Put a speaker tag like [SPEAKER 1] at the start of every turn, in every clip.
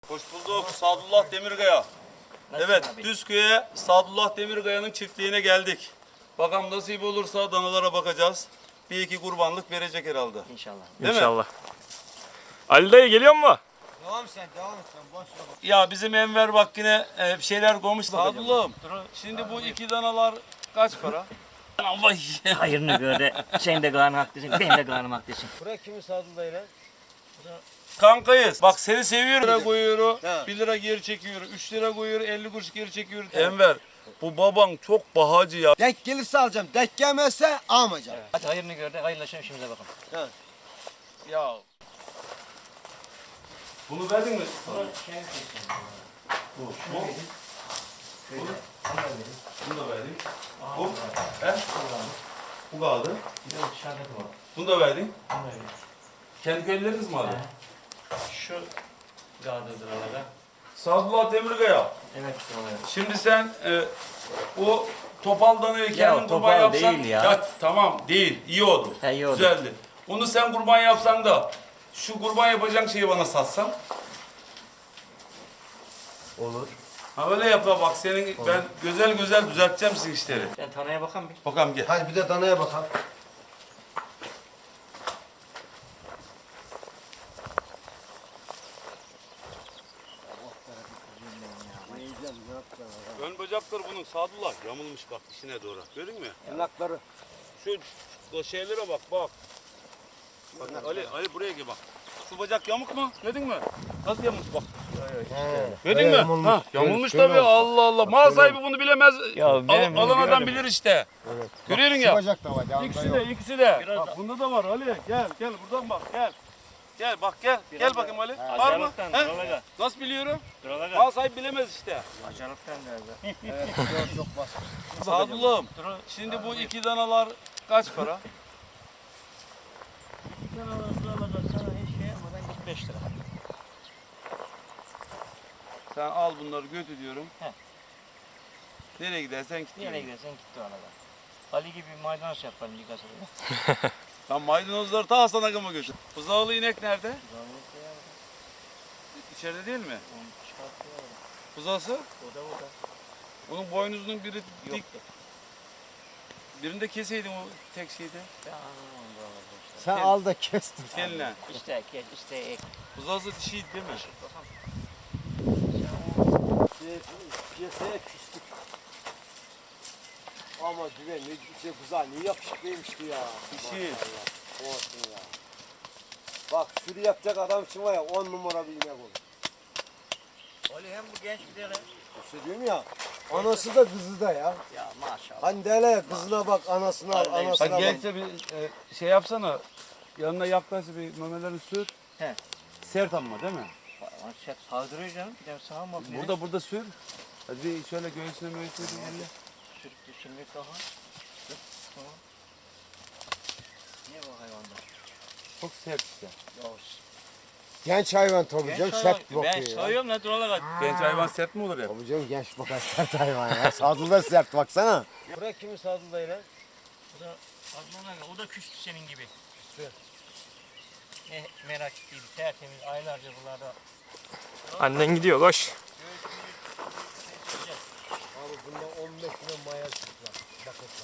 [SPEAKER 1] Hoş bulduk Sadullah Demirkaya. Evet,
[SPEAKER 2] abi?
[SPEAKER 1] Düzköy'e Sadullah Demirkaya'nın çiftliğine geldik. Bakalım nasip olursa danalara bakacağız. Bir iki kurbanlık verecek herhalde.
[SPEAKER 2] İnşallah.
[SPEAKER 1] Değil mi?
[SPEAKER 3] İnşallah. Ali dayı geliyor mu?
[SPEAKER 4] Devam et sen boş ver.
[SPEAKER 1] Ya bizim Enver bak yine bir şeyler koymuş. Sadullah'ım, şimdi bu iki danalar kaç para? Vay.
[SPEAKER 2] Hayırını gör de sen de karnı haklısın, ben de karnım haklısın.
[SPEAKER 4] Bırak kimi Sadullah lan?
[SPEAKER 1] Kankayız. Bak seni seviyorum. 1 lira koyuyor,
[SPEAKER 4] Ha.
[SPEAKER 1] 1 lira geri çekiyor, 3 lira koyuyor, 50 kuruş geri çekiyor. Enver, bu baban çok bahacı ya.
[SPEAKER 4] Denk gelirse alacağım. Denk gelmezse almayacağım.
[SPEAKER 2] Hadi hayırını gör de hayırlaşalım işimize bakalım.
[SPEAKER 4] Ha.
[SPEAKER 1] Ya. Bunu verdin mi? Bu. Bunu da verdik. Bu. He? Bu kaldı. Bunu da verdin. Kendi köyleriniz mi aldı?
[SPEAKER 2] Şu gardırdır arada.
[SPEAKER 1] Sadullah Demirkaya.
[SPEAKER 2] Evet işte
[SPEAKER 1] Şimdi sen o topal danayı kendin
[SPEAKER 2] Ya,
[SPEAKER 1] kurban
[SPEAKER 2] topal
[SPEAKER 1] yapsan.
[SPEAKER 2] değil ya.
[SPEAKER 1] Tamam değil. İyi oldu.
[SPEAKER 2] He, iyi oldu.
[SPEAKER 1] Güzeldi. Onu sen kurban yapsan da şu kurban yapacağın şeyi bana satsan.
[SPEAKER 2] Olur.
[SPEAKER 1] Ha öyle yap ya, bak senin ben güzel güzel düzelteceğim sizin işleri.
[SPEAKER 2] Sen tanaya bakan bir.
[SPEAKER 1] Bakalım gel.
[SPEAKER 4] Hadi bir de danaya bakalım.
[SPEAKER 1] Ön bacakları bunun Sadullah yamulmuş bak dişine doğru. Görün mü?
[SPEAKER 4] Yanakları.
[SPEAKER 1] Şu şeylere bak bak. Bak Ali buraya gel bak. Şu bacak yamuk mu? Gördün mü? Nasıl yamuk bak. Gördün mü?
[SPEAKER 4] yamulmuş.
[SPEAKER 1] Ha, yamulmuş
[SPEAKER 4] Şöyle
[SPEAKER 1] tabii.
[SPEAKER 4] olsun.
[SPEAKER 1] Allah Allah. Mal sahibi bunu bilemez.
[SPEAKER 2] Ya benim
[SPEAKER 1] Alan adam bilir işte.
[SPEAKER 4] Evet.
[SPEAKER 1] Görüyorsun
[SPEAKER 4] Şu
[SPEAKER 1] ya.
[SPEAKER 4] bacak da var. yanında
[SPEAKER 1] İkisi
[SPEAKER 4] yok.
[SPEAKER 1] de, ikisi de.
[SPEAKER 2] Biraz
[SPEAKER 1] Bak
[SPEAKER 2] da-
[SPEAKER 1] bunda da var Ali. Gel buradan bak gel. Gel bak gel.
[SPEAKER 2] Biraz
[SPEAKER 1] Gel
[SPEAKER 2] da-
[SPEAKER 1] bakayım Ali. Var mı?
[SPEAKER 2] Acalıktan,
[SPEAKER 1] He?
[SPEAKER 2] duraga.
[SPEAKER 1] Nasıl biliyorum?
[SPEAKER 2] Duraga.
[SPEAKER 1] Mal sahibi bilemez işte.
[SPEAKER 2] Acalıktan nerede?
[SPEAKER 4] Evet, çok basit.
[SPEAKER 1] Sadullah'ım. Şimdi bu iki danalar kaç para?
[SPEAKER 2] Sen alırsa sana hiç şey yapmadan 45 lira.
[SPEAKER 1] Sen al bunları götür diyorum.
[SPEAKER 2] He.
[SPEAKER 1] Nereye gidersen git.
[SPEAKER 2] Nereye
[SPEAKER 1] diyorum.
[SPEAKER 2] gidersen gitti o arada. Ali gibi maydanoz yaparım bir kasada.
[SPEAKER 1] Sen maydanozları ta Hasan Agama götür. Buzağılı inek nerede? İçeride değil mi? Buzağısı?
[SPEAKER 2] O da.
[SPEAKER 1] Onun boynuzunun biri dik.
[SPEAKER 2] Yoktu.
[SPEAKER 1] Birinde keseydin o tek şeyde.
[SPEAKER 2] Ben anlamam bu arada işte.
[SPEAKER 4] Sen al da kestin.
[SPEAKER 1] Teline.
[SPEAKER 2] İşte geç, işte ek.
[SPEAKER 1] Buzağısı dişiydi değil mi?
[SPEAKER 4] Piyasaya küstük. Ama düve ne şey güzel, ne yakışıklıymış ki ya.
[SPEAKER 1] Dişi.
[SPEAKER 4] Maşallah, olsun ya. Bak sürü yapacak adam için var ya 10 numara bir inek olur.
[SPEAKER 2] Ali hem bu genç bir tane.
[SPEAKER 4] İşte diyorum ya, anası da kızı da ya.
[SPEAKER 2] Ya maşallah.
[SPEAKER 4] Hani derler ya kızına bak, anasına al,
[SPEAKER 2] Vallahi
[SPEAKER 4] anasına
[SPEAKER 1] Bak
[SPEAKER 4] bak.
[SPEAKER 1] gençte bir şey yapsana. Yanına yaklaş bir memelerini sür.
[SPEAKER 2] He.
[SPEAKER 1] Sert ama değil mi?
[SPEAKER 2] Şey saldırıyor canım. Bir de sağa mı bakıyor?
[SPEAKER 1] Burada sür. Hadi bir şöyle göğsüne bir elle.
[SPEAKER 2] Sürüp düşürmek daha. Dur, tamam. Niye bu hayvanda?
[SPEAKER 1] Çok sert işte.
[SPEAKER 4] Genç hayvan tabii canım, sert bakıyor
[SPEAKER 2] Ben
[SPEAKER 4] ya.
[SPEAKER 2] sayıyorum ne duralar.
[SPEAKER 1] Genç hayvan sert mi olur ya?
[SPEAKER 4] Tabii canım genç bakar sert hayvan ya. Sadullah sert baksana. Bırak kimi Sadullah ile?
[SPEAKER 2] O da Adnan Aga, o da küstü senin gibi. Küstü. Ne merak değil, tertemiz aylarca buralarda.
[SPEAKER 3] Annen gidiyor koş.
[SPEAKER 4] Abi bunda 15 kilo maya çıklar. Bakırlar.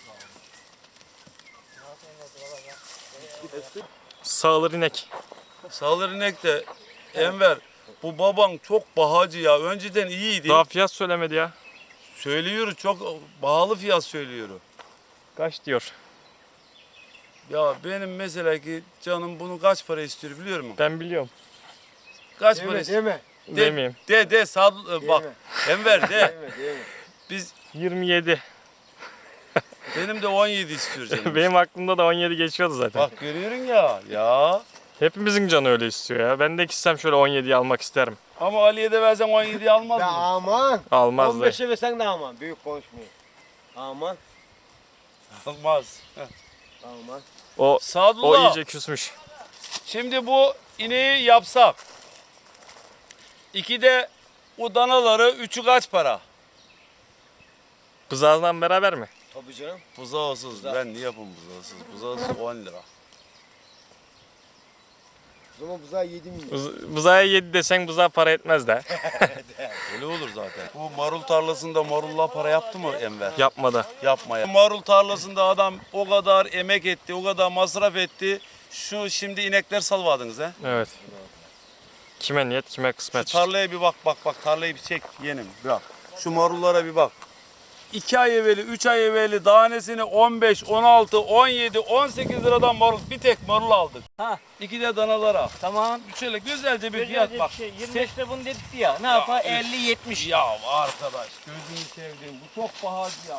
[SPEAKER 3] Sağılır inek.
[SPEAKER 1] Sağlar inek de Enver, bu baban çok bahacı ya. Önceden iyiydi.
[SPEAKER 3] Daha fiyat söylemedi ya.
[SPEAKER 1] Söylüyor, çok pahalı fiyat söylüyor.
[SPEAKER 3] Kaç diyor.
[SPEAKER 1] Ya benim mesela ki canım bunu kaç para istiyor biliyor musun?
[SPEAKER 3] Ben biliyorum.
[SPEAKER 1] Kaç para
[SPEAKER 4] Deme
[SPEAKER 1] istiyor?
[SPEAKER 4] deme.
[SPEAKER 3] Demeyeyim.
[SPEAKER 1] Bak Enver de.
[SPEAKER 4] Deme deme.
[SPEAKER 1] Biz
[SPEAKER 3] 27.
[SPEAKER 1] benim de 17 istiyor canım.
[SPEAKER 3] Benim aklımda da 17 geçiyordu zaten.
[SPEAKER 1] Bak görüyorsun ya. Ya.
[SPEAKER 3] Hepimizin canı öyle istiyor ya. Ben de gitsem şöyle 17'yi almak isterim.
[SPEAKER 1] Ama Ali'ye de versen 17'yi almaz
[SPEAKER 4] Ya
[SPEAKER 1] mı?
[SPEAKER 4] aman.
[SPEAKER 3] Almaz da.
[SPEAKER 4] 15'e versen de aman. Büyük konuşmayın. Aman.
[SPEAKER 1] Almaz.
[SPEAKER 4] Aman.
[SPEAKER 3] O
[SPEAKER 1] Sadullah.
[SPEAKER 3] iyice küsmüş.
[SPEAKER 1] Şimdi bu ineği yapsak. 2'de o danaları 3'ü kaç para?
[SPEAKER 3] Bızağından beraber mi?
[SPEAKER 4] Tabii canım.
[SPEAKER 1] Buzağısız. Ben niye yapayım buzağısız? Buzağısız 10 lira.
[SPEAKER 4] O zaman buzağı 7 milyon.
[SPEAKER 3] Buzağa 7 desen buzağa para etmez de.
[SPEAKER 1] Öyle olur zaten. Bu marul tarlasında marulla para yaptı mı Enver?
[SPEAKER 3] Yapmadı.
[SPEAKER 1] Yapma ya. Marul tarlasında adam o kadar emek etti, o kadar masraf etti. Şu şimdi inekler salvadınız ha.
[SPEAKER 3] Evet. Kime niyet kime
[SPEAKER 1] Şu
[SPEAKER 3] kısmet.
[SPEAKER 1] tarlaya bir bak tarlayı bir çek yeğenim bırak. Şu marullara bir bak. 2 ay evveli, 3 ay evveli tanesini 15, 16, 17, 18 liradan marul, bir tek marul aldık.
[SPEAKER 2] Ha.
[SPEAKER 1] 2 de danalara.
[SPEAKER 2] Tamam.
[SPEAKER 1] Şöyle güzelce bir
[SPEAKER 2] Güzel
[SPEAKER 1] fiyat
[SPEAKER 2] bir
[SPEAKER 1] bak.
[SPEAKER 2] şey. 25'te bunu dedik ya. Ne yapar? 50-70.
[SPEAKER 1] Ya arkadaş gözünü sevdiğim bu çok pahalı ya.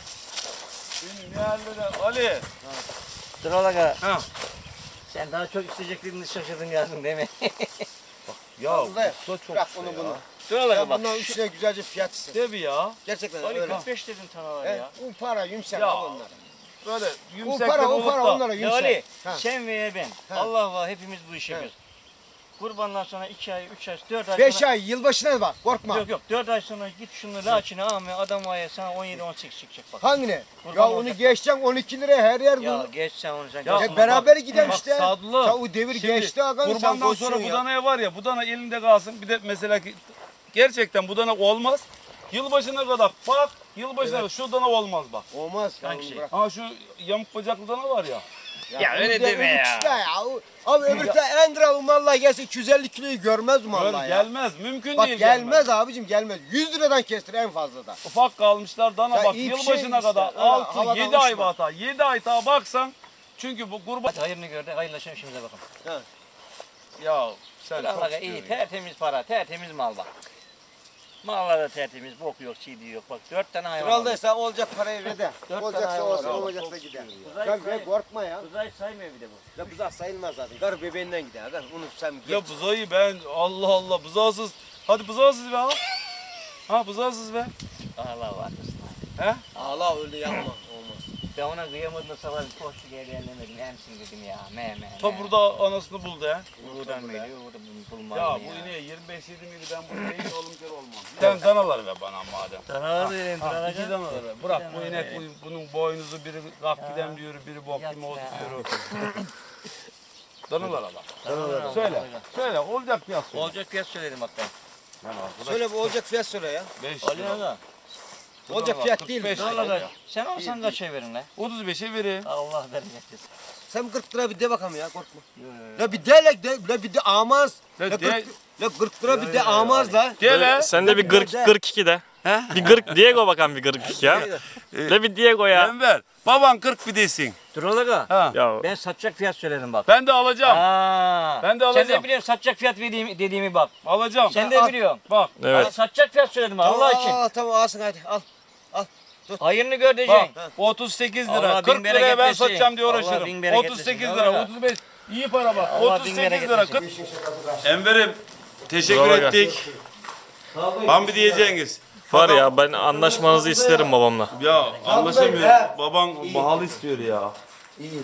[SPEAKER 1] Benim yerlere Ali.
[SPEAKER 2] Dur ola
[SPEAKER 1] Ha.
[SPEAKER 2] Sen daha çok isteyeceklerini şaşırdın yazdın değil mi?
[SPEAKER 1] Ya
[SPEAKER 4] Vallahi
[SPEAKER 1] bu da çok
[SPEAKER 4] bırak
[SPEAKER 1] işte
[SPEAKER 4] onu
[SPEAKER 1] ya.
[SPEAKER 4] bunu.
[SPEAKER 2] Dur ola
[SPEAKER 4] Sen
[SPEAKER 2] bak.
[SPEAKER 4] bundan üstüne güzelce fiyat iste.
[SPEAKER 1] Tabii ya.
[SPEAKER 4] Gerçekten
[SPEAKER 2] Ali
[SPEAKER 4] öyle.
[SPEAKER 2] 45 dedin tanalar
[SPEAKER 4] He,
[SPEAKER 2] ya.
[SPEAKER 4] o para yumuşak
[SPEAKER 1] Ya,
[SPEAKER 4] al onlara.
[SPEAKER 1] Böyle
[SPEAKER 4] O
[SPEAKER 1] yumuşak
[SPEAKER 4] para
[SPEAKER 1] olup da.
[SPEAKER 4] onlara
[SPEAKER 2] Ya
[SPEAKER 4] yumuşak.
[SPEAKER 2] Ali
[SPEAKER 4] Ha.
[SPEAKER 2] sen veya ben.
[SPEAKER 4] Ha.
[SPEAKER 2] Allah var hepimiz bu işi
[SPEAKER 4] Ha.
[SPEAKER 2] yapıyoruz. Kurbandan sonra 2 ay, 3 ay, 4 ay
[SPEAKER 4] 5
[SPEAKER 2] sonra...
[SPEAKER 4] ay yılbaşına bak korkma.
[SPEAKER 2] Yok 4 ay sonra git şunu laçını alma adam var ya sana 17-18 çıkacak bak.
[SPEAKER 4] Hangine?
[SPEAKER 2] Kurban
[SPEAKER 4] Ya onu
[SPEAKER 2] olacak.
[SPEAKER 4] geçeceksin 12 liraya her yer
[SPEAKER 2] Ya
[SPEAKER 4] bu.
[SPEAKER 2] geç sen onu sen.
[SPEAKER 1] Ya
[SPEAKER 2] geç.
[SPEAKER 4] Ya beraber gidelim
[SPEAKER 1] Bak
[SPEAKER 4] işte.
[SPEAKER 1] Sadullah,
[SPEAKER 4] Ya o devir
[SPEAKER 1] şimdi
[SPEAKER 4] geçti aga. sen
[SPEAKER 1] Kurbandan
[SPEAKER 4] boşsun
[SPEAKER 1] sonra bu
[SPEAKER 4] ya.
[SPEAKER 1] danaya var ya bu dana elinde kalsın. Bir de mesela ki gerçekten bu dana olmaz. Yılbaşına kadar bak yılbaşına kadar şu dana olmaz bak.
[SPEAKER 4] Olmaz. ya,
[SPEAKER 2] Hangi
[SPEAKER 4] onu
[SPEAKER 2] şey?
[SPEAKER 4] bırak.
[SPEAKER 1] Ha şu yamuk bacaklı dana var ya.
[SPEAKER 2] Ya
[SPEAKER 4] onu
[SPEAKER 2] öyle
[SPEAKER 4] de-
[SPEAKER 2] deme
[SPEAKER 4] onu
[SPEAKER 2] ya.
[SPEAKER 4] işte ya. Abi öbürte en gram mallah gelse 250 kiloyu görmez mi
[SPEAKER 1] Gör,
[SPEAKER 4] mallah ya?
[SPEAKER 1] gelmez mümkün
[SPEAKER 4] Bak
[SPEAKER 1] değil.
[SPEAKER 4] gelmez abicim gelmez. 100 liradan kestir en fazla da.
[SPEAKER 1] Ufak kalmışlar dana
[SPEAKER 4] Ya
[SPEAKER 1] bak
[SPEAKER 4] iyi bir
[SPEAKER 1] yılbaşına
[SPEAKER 4] şey
[SPEAKER 1] kadar
[SPEAKER 4] işte, öyle
[SPEAKER 1] 6
[SPEAKER 4] havadan
[SPEAKER 1] 7 ay
[SPEAKER 4] uçma.
[SPEAKER 1] hata 7 ay daha baksan çünkü bu kurban
[SPEAKER 2] Hadi hayırını gör de hayırlaşalım işimize bakalım.
[SPEAKER 1] ya sen çok
[SPEAKER 2] Allah'a iyi
[SPEAKER 1] istiyorsun.
[SPEAKER 2] tertemiz para tertemiz mal bak. Mallar da tertemiz bok yok çiğdi yok bak 4 tane hayvan
[SPEAKER 4] Kral
[SPEAKER 2] aldım.
[SPEAKER 4] dese olacak parayı ver de.
[SPEAKER 2] Dört
[SPEAKER 4] Olacaksa
[SPEAKER 2] tane
[SPEAKER 4] olsun
[SPEAKER 2] hayvan var.
[SPEAKER 4] olmayacaksa
[SPEAKER 1] Çok
[SPEAKER 4] gider.
[SPEAKER 1] istiyor
[SPEAKER 2] ya.
[SPEAKER 4] Sen ver korkma ya.
[SPEAKER 2] Uzay saymıyor bir de bu.
[SPEAKER 4] Ya buzağı sayılmaz zaten. Karı bebeğinden gider. Aga. Onu sen geç.
[SPEAKER 1] Ya buzayı ben Allah Allah buzağısız hadi buzağısız be ha. Ha buzağısız be.
[SPEAKER 2] Allah var.
[SPEAKER 1] He?
[SPEAKER 4] Ağla öyle yapma. Olmaz.
[SPEAKER 2] Ben ona kıyamadım da sabah bir koştu geldi ellemedim. Emsin dedim ya. Me.
[SPEAKER 1] Ta burada anasını buldu ha.
[SPEAKER 2] Buradan mıydı? Burada bulmaz
[SPEAKER 1] Ya
[SPEAKER 2] mı
[SPEAKER 1] bu ineğe 25 yedi miydi ben bu ineği oğlum kere olmam. Sen danalar ver bana madem.
[SPEAKER 2] Danalar verelim
[SPEAKER 1] Ha, iki danalar ver. Bırak bu
[SPEAKER 2] danalar
[SPEAKER 1] inek
[SPEAKER 2] verelim.
[SPEAKER 1] bunun boynuzu biri kalk gidem diyor biri bok
[SPEAKER 2] Yat
[SPEAKER 1] gibi ot
[SPEAKER 2] be.
[SPEAKER 1] diyor. Danalara bak.
[SPEAKER 2] Danalar
[SPEAKER 1] Söyle. Söyle olacak fiyat söyle.
[SPEAKER 2] Olacak fiyat söyledim hatta.
[SPEAKER 1] Yani arkadaş
[SPEAKER 4] Söyle bu olacak fiyat söyle ya.
[SPEAKER 1] 5
[SPEAKER 2] Ali
[SPEAKER 1] lira.
[SPEAKER 2] Aga.
[SPEAKER 4] Olacak
[SPEAKER 1] Danalar
[SPEAKER 4] fiyat değil.
[SPEAKER 1] 45 lira
[SPEAKER 2] Danalar
[SPEAKER 1] ya.
[SPEAKER 2] sen olsan kaça verin lan?
[SPEAKER 1] 35'e verin.
[SPEAKER 2] Allah bereket versin.
[SPEAKER 4] Sen 40 lira bir de bakalım ya korkma.
[SPEAKER 2] Yo.
[SPEAKER 4] La bir de bir de amaz.
[SPEAKER 1] La
[SPEAKER 4] La
[SPEAKER 1] de-
[SPEAKER 4] 40 lira bir de amaz la.
[SPEAKER 1] Gel he.
[SPEAKER 3] Sen de bir 42 de.
[SPEAKER 1] He?
[SPEAKER 3] Bir 40 Diego bakan bir 42 ya. De bir Diego ya.
[SPEAKER 1] Enver. Baban 40 fidesin.
[SPEAKER 2] Dur Olaga.
[SPEAKER 1] Ha.
[SPEAKER 3] Ya
[SPEAKER 2] Ben satacak fiyat söyledim bak.
[SPEAKER 1] Ben de alacağım.
[SPEAKER 2] Aa,
[SPEAKER 1] Ben de
[SPEAKER 2] Sen
[SPEAKER 1] alacağım.
[SPEAKER 2] de biliyorsun satacak fiyat dediğimi bak.
[SPEAKER 1] Alacağım.
[SPEAKER 2] Sen de biliyorsun.
[SPEAKER 1] Bak.
[SPEAKER 3] evet.
[SPEAKER 2] Satacak fiyat söyledim Allah için.
[SPEAKER 4] Tamam alsın hadi al.
[SPEAKER 2] Hayırını gör diyeceksin.
[SPEAKER 1] Bak 38 lira.
[SPEAKER 2] Allah
[SPEAKER 1] 40
[SPEAKER 2] bin
[SPEAKER 1] liraya
[SPEAKER 2] bereket
[SPEAKER 1] ben
[SPEAKER 2] versin.
[SPEAKER 1] satacağım diye
[SPEAKER 2] Allah
[SPEAKER 1] uğraşırım.
[SPEAKER 2] bin bereket
[SPEAKER 1] 38
[SPEAKER 2] versin.
[SPEAKER 1] lira,
[SPEAKER 2] Allah.
[SPEAKER 1] 35. İyi para bak.
[SPEAKER 2] Allah bin
[SPEAKER 1] 38
[SPEAKER 2] bereket
[SPEAKER 1] lira.
[SPEAKER 2] versin.
[SPEAKER 1] 40. Enver'im teşekkür
[SPEAKER 3] Bravo.
[SPEAKER 1] ettik. Hamdi diyeceğiniz.
[SPEAKER 3] Var ya ben anlaşmanızı isterim babamla.
[SPEAKER 1] Ya anlaşamıyorum. Baban pahalı istiyor ya.
[SPEAKER 4] İyi.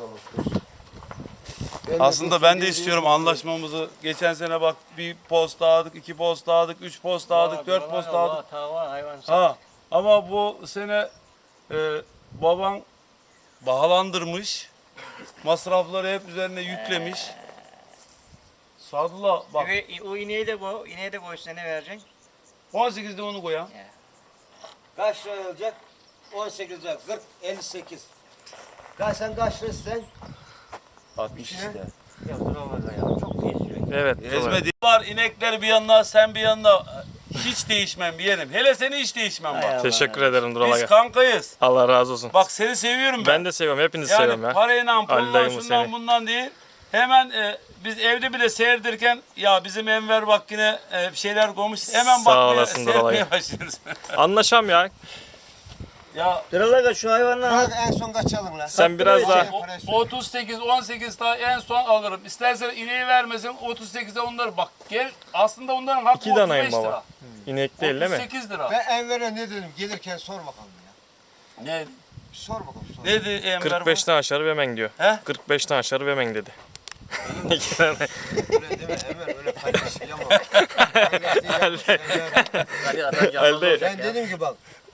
[SPEAKER 1] Aslında ben de istiyorum anlaşmamızı. Geçen sene bak bir posta aldık, 2 posta aldık, 3 posta aldık, 4 posta aldık.
[SPEAKER 2] Tava hayvan.
[SPEAKER 1] Ha ama bu sene baban bahalandırmış. Masrafları hep üzerine yüklemiş. Sadullah bak
[SPEAKER 2] O ineği de koy. İneği de koy size ne vereceksin?
[SPEAKER 1] 18'de onu koyalım.
[SPEAKER 4] Kaç lira olacak? 18 lira. 40 58. Ya sen kaç lira istersen?
[SPEAKER 1] 60 işte.
[SPEAKER 2] Ya dur Olaga ya. Çok kesiyor.
[SPEAKER 3] Evet. doğru.
[SPEAKER 1] Ezme var inekler bir yanına sen bir yanına hiç değişmem bir yerim. Hele seni hiç değişmem
[SPEAKER 2] Hay
[SPEAKER 1] bak.
[SPEAKER 2] Allah.
[SPEAKER 3] Teşekkür ederim
[SPEAKER 1] Biz
[SPEAKER 3] Duralaga.
[SPEAKER 1] kankayız.
[SPEAKER 3] Allah razı olsun.
[SPEAKER 1] Bak seni seviyorum ben.
[SPEAKER 3] Ben de seviyorum. Hepinizi seviyorum
[SPEAKER 1] Yani
[SPEAKER 3] ya.
[SPEAKER 1] parayla,
[SPEAKER 3] Ali
[SPEAKER 1] pulla,
[SPEAKER 3] dayımı
[SPEAKER 1] şundan
[SPEAKER 3] seni.
[SPEAKER 1] bundan değil. Hemen biz evde bile seyredirken ya bizim Enver bak yine bir şeyler koymuş. Hemen
[SPEAKER 3] Sağ
[SPEAKER 1] bakmaya,
[SPEAKER 3] olasın
[SPEAKER 1] seyretmeye
[SPEAKER 3] Duralaga.
[SPEAKER 1] başlıyoruz.
[SPEAKER 3] Anlaşam ya.
[SPEAKER 1] ya
[SPEAKER 2] Dur Olaga şu hayvanlar.
[SPEAKER 4] Bırak en son kaçalım lan.
[SPEAKER 3] Sen biraz daha
[SPEAKER 1] o 38, 18 daha en son alırım. İstersen ineği vermesin 38'e onları bak. Gel aslında onların hakkı
[SPEAKER 3] 2 danayım
[SPEAKER 1] 35 lira.
[SPEAKER 3] baba. İnek değil değil mi?
[SPEAKER 1] 38 lira.
[SPEAKER 4] Ben Enver'e ne dedim? Gelirken sor bakalım ya.
[SPEAKER 1] Ne?
[SPEAKER 4] Bir sor bakalım sor.
[SPEAKER 1] Ne dedi Enver?
[SPEAKER 3] 45'ten aşağı vermen diyor.
[SPEAKER 1] He?
[SPEAKER 3] 45'ten aşağı vermen dedi. 2 tane.
[SPEAKER 4] Öyle deme Enver öyle paylaşıyamam. Paylaşıyamam.
[SPEAKER 3] Elde.
[SPEAKER 4] Ben dedim ki bak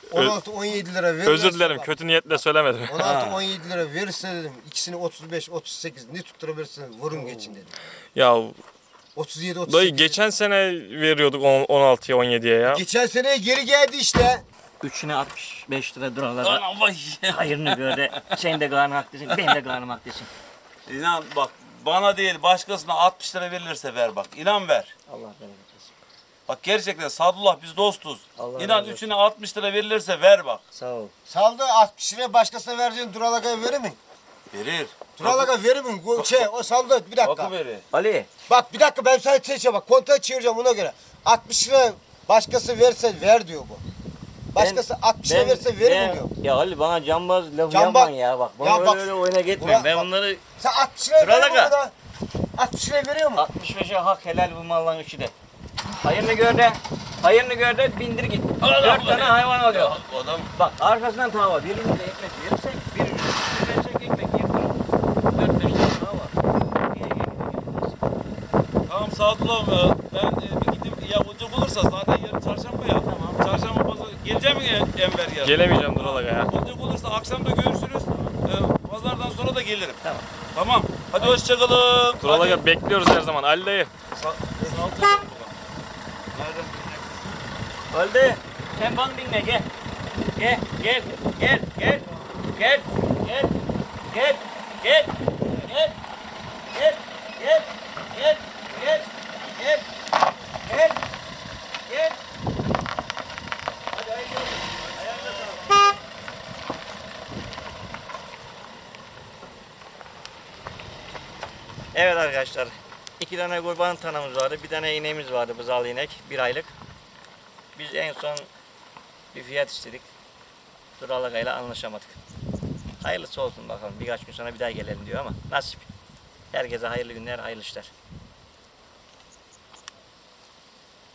[SPEAKER 4] 16-17 lira verirse
[SPEAKER 3] Özür dilerim
[SPEAKER 4] bak,
[SPEAKER 3] kötü niyetle söylemedim.
[SPEAKER 4] 16-17 lira verirse dedim. İkisini 35-38 ne tutturabilirsiniz vurun geçin dedim.
[SPEAKER 3] Ya
[SPEAKER 4] 37-38.
[SPEAKER 3] dayı geçen sene veriyorduk 16'ya 17'ye ya.
[SPEAKER 4] Geçen seneye geri geldi işte.
[SPEAKER 2] Üçüne 65 lira duralara.
[SPEAKER 1] Anam vay.
[SPEAKER 2] Hayırını gör de sen de karnı haklısın, ben de karnım haklısın.
[SPEAKER 1] İnan bak bana değil başkasına 60 lira verilirse ver bak. İnan ver.
[SPEAKER 2] Allah bereket versin.
[SPEAKER 1] Bak gerçekten Sadullah biz dostuz.
[SPEAKER 2] Allah
[SPEAKER 1] İnan
[SPEAKER 2] razı olsun.
[SPEAKER 1] üçüne 60 lira verilirse ver bak.
[SPEAKER 2] Sağ ol.
[SPEAKER 4] Saldı 60 liraya başkasına vereceğin Duralaka'ya verir mi?
[SPEAKER 1] Verir.
[SPEAKER 4] Duralaka verir mi? O saldı bir dakika.
[SPEAKER 1] Bakı verir.
[SPEAKER 2] Ali,
[SPEAKER 4] Bak bir dakika ben sana çekeceğim bak kontağı çevireceğim ona göre. 60 lira başkası verse ver diyor bu. Başkası 60 lira verse verir mi diyor.
[SPEAKER 2] Ya Ali bana cambaz lafı
[SPEAKER 4] Cambaz-
[SPEAKER 2] yapma ya bak. Bana
[SPEAKER 4] Ya
[SPEAKER 2] öyle,
[SPEAKER 4] bak-
[SPEAKER 2] öyle oyuna gitme.
[SPEAKER 4] Ulan
[SPEAKER 2] Ben
[SPEAKER 4] bak-
[SPEAKER 2] bunları
[SPEAKER 4] Sen 60 lira veriyor mu
[SPEAKER 2] Duralaka.
[SPEAKER 4] da? 60 lira veriyor mu?
[SPEAKER 2] 65'e hak helal bu malların üçü de. Hayırını gör de bindir git.
[SPEAKER 1] Allah
[SPEAKER 2] 4
[SPEAKER 1] Allah
[SPEAKER 2] tane
[SPEAKER 1] ya.
[SPEAKER 2] hayvan alıyor.
[SPEAKER 1] Adam
[SPEAKER 2] Bak arkasından tava. Birimiz de ekmek verirsek, birimiz de versek ekmek yaparız. 4-5 tane tava.
[SPEAKER 1] tamam Sadullah ben bir gidip ya olacak olursa zaten yarın çarşamba ya.
[SPEAKER 2] Tamam.
[SPEAKER 1] Çarşamba pazar geleceğim mi Enver ya?
[SPEAKER 3] Gelemeyeceğim Duralaga ya.
[SPEAKER 1] Olacak olursa akşam da görüşürüz. Pazardan sonra da gelirim.
[SPEAKER 2] Tamam.
[SPEAKER 1] Tamam. Hadi hoşçakalın.
[SPEAKER 3] Duralaga bekliyoruz her zaman. Ali dayı.
[SPEAKER 1] Nereden?
[SPEAKER 2] Öldü. Sen bana dinle gel. Gel. Gel. Gel. Gel. Gel. Gel. Gel. Gel. Gel. Gel. Gel. Gel. Gel. Gel. Gel. Gel. Hadi haydi. Ayağına sağlık. Evet arkadaşlar. 2 tane kurban tanımız vardı. Bir tane ineğimiz vardı. Bızalı inek. 1 aylık. Biz en son bir fiyat istedik. Duralaga ile anlaşamadık. Hayırlısı olsun bakalım. Birkaç gün sonra bir daha gelelim diyor ama nasip. Herkese hayırlı günler, hayırlı işler.